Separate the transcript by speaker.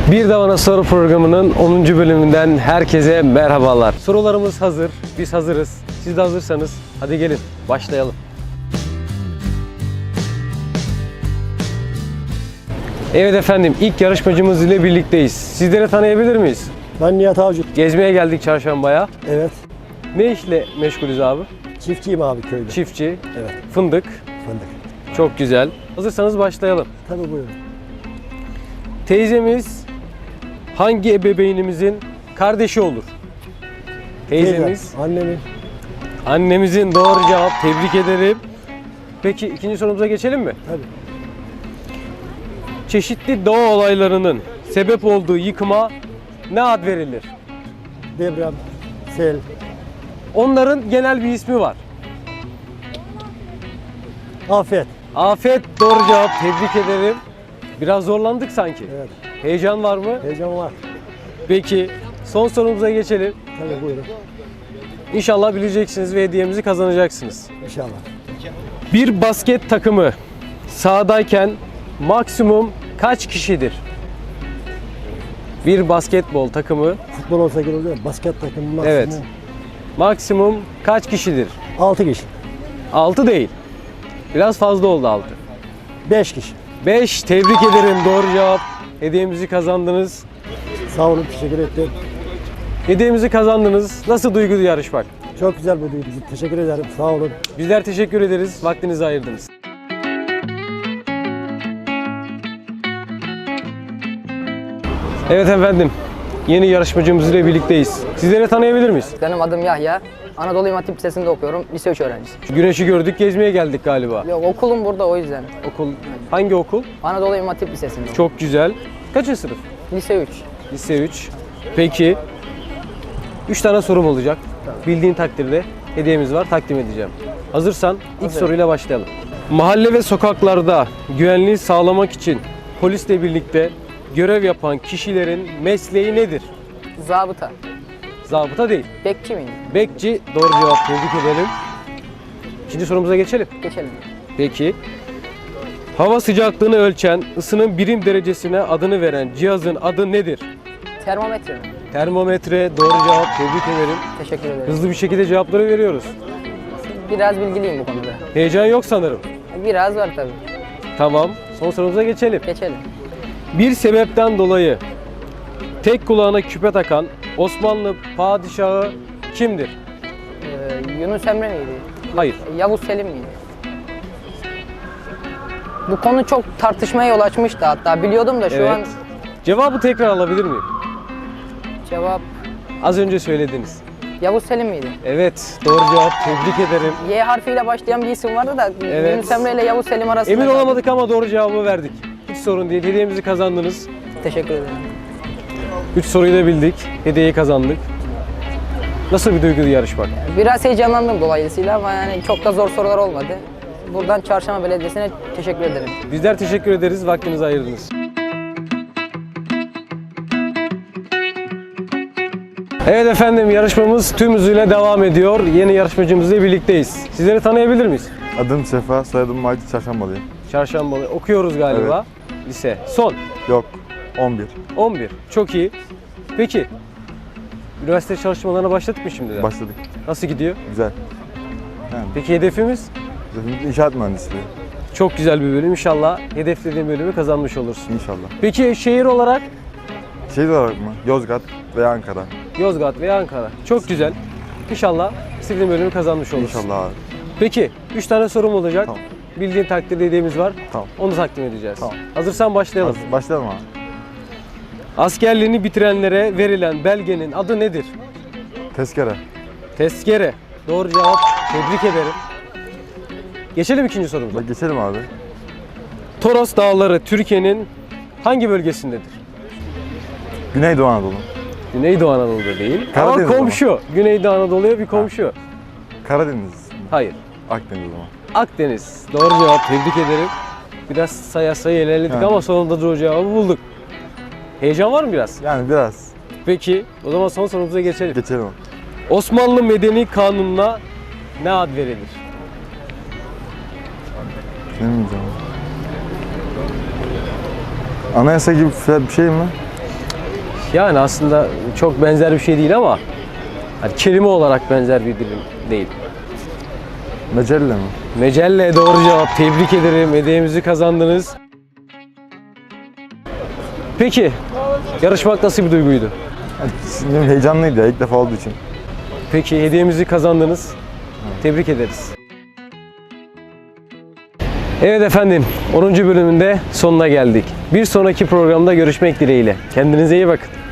Speaker 1: Bir Davana Soru programının 10. bölümünden herkese merhabalar. Sorularımız hazır, biz hazırız. Siz de hazırsanız hadi gelin başlayalım. Evet efendim, ilk yarışmacımız ile birlikteyiz. Sizleri tanıyabilir miyiz?
Speaker 2: Ben Nihat Avcı.
Speaker 1: Gezmeye geldik Çarşamba'ya.
Speaker 2: Evet.
Speaker 1: Ne işle meşgulüz abi?
Speaker 2: Çiftçiyim abi köyde.
Speaker 1: Çiftçi,
Speaker 2: Evet.
Speaker 1: fındık.
Speaker 2: Fındık.
Speaker 1: Çok güzel. Hazırsanız başlayalım.
Speaker 2: Tabii buyurun.
Speaker 1: Teyzemiz hangi ebeveynimizin kardeşi olur? Teyzemiz,
Speaker 2: Teyzem, annemin.
Speaker 1: annemizin doğru cevap. Tebrik ederim. Peki ikinci sorumuza geçelim mi?
Speaker 2: Tabii.
Speaker 1: Çeşitli doğa olaylarının sebep olduğu yıkıma ne ad verilir?
Speaker 2: Deprem, sel,
Speaker 1: Onların genel bir ismi var.
Speaker 2: afet.
Speaker 1: Afet doğru cevap. Tebrik ederim. Biraz zorlandık sanki.
Speaker 2: Evet.
Speaker 1: Heyecan var mı?
Speaker 2: Heyecan var.
Speaker 1: Peki son sorumuza geçelim.
Speaker 2: Tabii buyurun.
Speaker 1: İnşallah bileceksiniz ve hediyemizi kazanacaksınız.
Speaker 2: İnşallah.
Speaker 1: Bir basket takımı sahadayken maksimum kaç kişidir? Bir basketbol takımı
Speaker 2: Futbol olsa gerek oluyor. Basket takımı maksimum
Speaker 1: evet. Maksimum kaç kişidir?
Speaker 2: 6 kişi.
Speaker 1: 6 değil. Biraz fazla oldu 6.
Speaker 2: 5 kişi.
Speaker 1: 5. Tebrik ederim. Doğru cevap. Hediyemizi kazandınız.
Speaker 2: Sağ olun, teşekkür ettim.
Speaker 1: Hediyemizi kazandınız. Nasıl duyguydu yarışmak?
Speaker 2: Çok güzel bir duygu. Teşekkür ederim. Sağ olun.
Speaker 1: Bizler teşekkür ederiz. Vaktinizi ayırdınız. Evet efendim. Yeni yarışmacımız ile birlikteyiz. Sizleri tanıyabilir miyiz?
Speaker 3: Benim adım Yahya. Anadolu İmam Hatip Lisesi'nde okuyorum. Lise 3 öğrencisiyim.
Speaker 1: Güneşi gördük, gezmeye geldik galiba.
Speaker 3: Yok, okulum burada, o yüzden.
Speaker 1: Okul, hangi okul?
Speaker 3: Anadolu İmam Hatip Lisesi'nde.
Speaker 1: Çok güzel. Kaçıncı sınıf?
Speaker 3: Lise 3.
Speaker 1: Lise 3. Peki, 3 tane sorum olacak. Bildiğin takdirde hediyemiz var, takdim edeceğim. Hazırsan ilk
Speaker 3: Hazırım.
Speaker 1: soruyla başlayalım. Mahalle ve sokaklarda güvenliği sağlamak için polisle birlikte görev yapan kişilerin mesleği nedir?
Speaker 3: Zabıta.
Speaker 1: Zabıta değil.
Speaker 3: Bekçi miyim?
Speaker 1: Bekçi, doğru cevap. Tebrik ederim. İkinci sorumuza geçelim.
Speaker 3: Geçelim.
Speaker 1: Peki. Hava sıcaklığını ölçen, ısının birim derecesine adını veren cihazın adı nedir?
Speaker 3: Termometre mi?
Speaker 1: Termometre, doğru cevap. Tebrik ederim.
Speaker 3: Teşekkür ederim.
Speaker 1: Hızlı bir şekilde cevapları veriyoruz.
Speaker 3: Biraz bilgiliyim bu konuda.
Speaker 1: Heyecan yok sanırım.
Speaker 3: Biraz var tabii.
Speaker 1: Tamam. Son sorumuza geçelim.
Speaker 3: Geçelim.
Speaker 1: Bir sebepten dolayı tek kulağına küpe takan Osmanlı padişahı kimdir?
Speaker 3: Yunus Emre miydi?
Speaker 1: Hayır.
Speaker 3: Yavuz Selim miydi? Bu konu çok tartışmaya yol açmıştı hatta. Biliyordum da şu
Speaker 1: Evet.
Speaker 3: an
Speaker 1: Cevabı tekrar alabilir miyim?
Speaker 3: cevap
Speaker 1: Az önce söylediniz.
Speaker 3: Yavuz Selim miydi?
Speaker 1: Evet. Doğru cevap. Tebrik ederim.
Speaker 3: Y harfiyle başlayan bir isim vardı da
Speaker 1: Evet.
Speaker 3: Yunus Emre ile Yavuz Selim arasında.
Speaker 1: Emin
Speaker 3: kaldım.
Speaker 1: olamadık ama doğru cevabı verdik. Hiç sorun değil. Hediyemizi kazandınız.
Speaker 3: Teşekkür ederim.
Speaker 1: 3 soruyu da bildik. Hediyeyi kazandık. Nasıl bir duyguydu yarışmak?
Speaker 3: Biraz heyecanlandım dolayısıyla ama yani çok da zor sorular olmadı. Buradan Çarşamba Belediyesi'ne teşekkür ederim.
Speaker 1: Bizler teşekkür ederiz. Vaktinizi ayırdınız. Evet efendim, yarışmamız tüm hızıyla devam ediyor. Yeni yarışmacımızla birlikteyiz. Sizleri tanıyabilir miyiz?
Speaker 4: Adım Sefa, soyadım Macit, Çarşambalıyım.
Speaker 1: Çarşambalı okuyoruz galiba. Lise. Son.
Speaker 4: Yok, 11.
Speaker 1: 11. Çok iyi. Peki. Üniversite çalışmalarına başladık mı şimdiden?
Speaker 4: Başladık.
Speaker 1: Nasıl gidiyor?
Speaker 4: Güzel. Yani
Speaker 1: Peki hedefimiz?
Speaker 4: inşaat mühendisliği.
Speaker 1: Çok güzel bir bölüm. İnşallah hedeflediğin bölümü kazanmış olursun.
Speaker 4: İnşallah.
Speaker 1: Peki şehir olarak?
Speaker 4: Şehir olarak mı? Yozgat veya Ankara.
Speaker 1: Yozgat veya Ankara. Çok güzel. İnşallah istediğin bölümü kazanmış olursun.
Speaker 4: İnşallah abi.
Speaker 1: Peki 3 tane sorum olacak.
Speaker 4: Tamam.
Speaker 1: Bildiğin takdirde hediyemiz var.
Speaker 4: Tamam.
Speaker 1: Onu takdim edeceğiz.
Speaker 4: Tamam.
Speaker 1: Hazırsan başlayalım.
Speaker 4: Başlayalım abi.
Speaker 1: Askerliğini bitirenlere verilen belgenin adı nedir?
Speaker 4: Tezkere.
Speaker 1: Tezkere. Doğru cevap. Tebrik ederim. Geçelim ikinci sorumuza.
Speaker 4: Bak geçelim abi.
Speaker 1: Toros Dağları Türkiye'nin hangi bölgesindedir?
Speaker 4: Güneydoğu Anadolu.
Speaker 1: Güneydoğu Anadolu'da değil.
Speaker 4: Karadeniz
Speaker 1: ama komşu. Güneydoğu Anadolu'ya bir komşu.
Speaker 4: Karadeniz.
Speaker 1: Hayır.
Speaker 4: Akdeniz o zaman.
Speaker 1: Akdeniz. Doğru cevap. Tebrik ederim. Biraz sayı ilerledik
Speaker 4: Yani.
Speaker 1: ama sonunda doğru cevabı bulduk. Heyecan var mı biraz?
Speaker 4: Yani biraz.
Speaker 1: Peki o zaman son sorumuza geçelim.
Speaker 4: Geçelim.
Speaker 1: Osmanlı Medeni Kanunu'na ne ad verilir?
Speaker 4: Ne bileyim. Anayasa gibi bir şey mi?
Speaker 1: Yani aslında çok benzer bir şey değil ama hani kelime olarak benzer bir dilim değil.
Speaker 4: Mecelle mi?
Speaker 1: Mecelle doğru cevap. Tebrik ederim. Hediyemizi kazandınız. Peki, yarışmak nasıl bir duyguydu?
Speaker 4: Yani, heyecanlıydı ya ilk defa olduğu için.
Speaker 1: Peki, hediyemizi kazandınız. Tebrik ederiz. Evet efendim, 10. bölümünde sonuna geldik. Bir sonraki programda görüşmek dileğiyle. Kendinize iyi bakın.